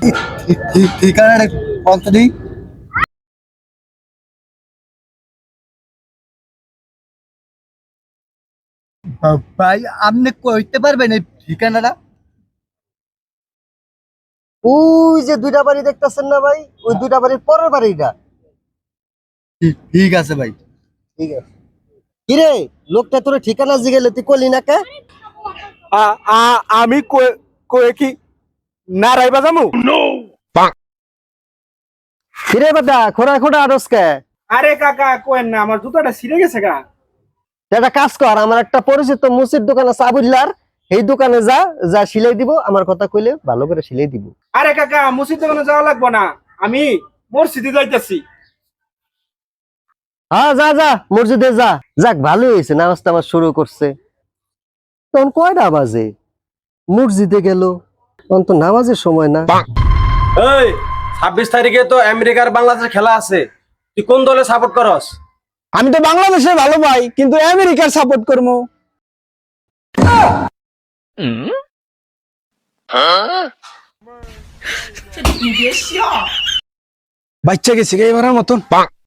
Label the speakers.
Speaker 1: ঠিকানাটা বলতে দিই। ভাই আপনি কইতে পারবেন এই ঠিকানাটা?
Speaker 2: ওই যে দুইটা বাড়ি দেখতেছেন না ভাই, ওই দুইটা বাড়ির পরের বাড়িটা।
Speaker 1: ঠিক আছে ভাই।
Speaker 2: ঠিক আছে। কিরে, লোকটা তোর ঠিকানা জিগেলে তুই কলি না কে?
Speaker 3: আমি কয়ে কি নারাইবা যামু?
Speaker 2: কিরে বাদা, খোড়া খোড়া আরস কে?
Speaker 3: আরে কাকা কোয়েন না, আমার জুতাটা ছিঁড়ে গেছে গা।
Speaker 2: একটা কাজ কর, আমার একটা পরিচিত মুসির দোকান আছে আবুল্লার, এই দোকানে যা, যা সিলাই দিব, আমার কথা কইলে ভালো করে সিলাই দিব।
Speaker 3: আরে কাকা মসজিদ দোকানে যাওয়া লাগবো না, আমি মসজিদে যাইতেছি।
Speaker 2: হ্যাঁ যা যা, মসজিদে যা। যাক ভালোই হয়েছে, নামাজ টামাজ শুরু করছে। তখন কয়টা বাজে? মসজিদে গেল, তখন তো নামাজের সময় না।
Speaker 4: এই 26 তারিখে তো আমেরিকার বাংলাদেশের খেলা আছে, তুই কোন দলে সাপোর্ট করস?
Speaker 3: আমি তো বাংলাদেশে ভালো পাই, কিন্তু আমেরিকার সাপোর্ট করবো। বাচ্চা গেছে এবারের মতন।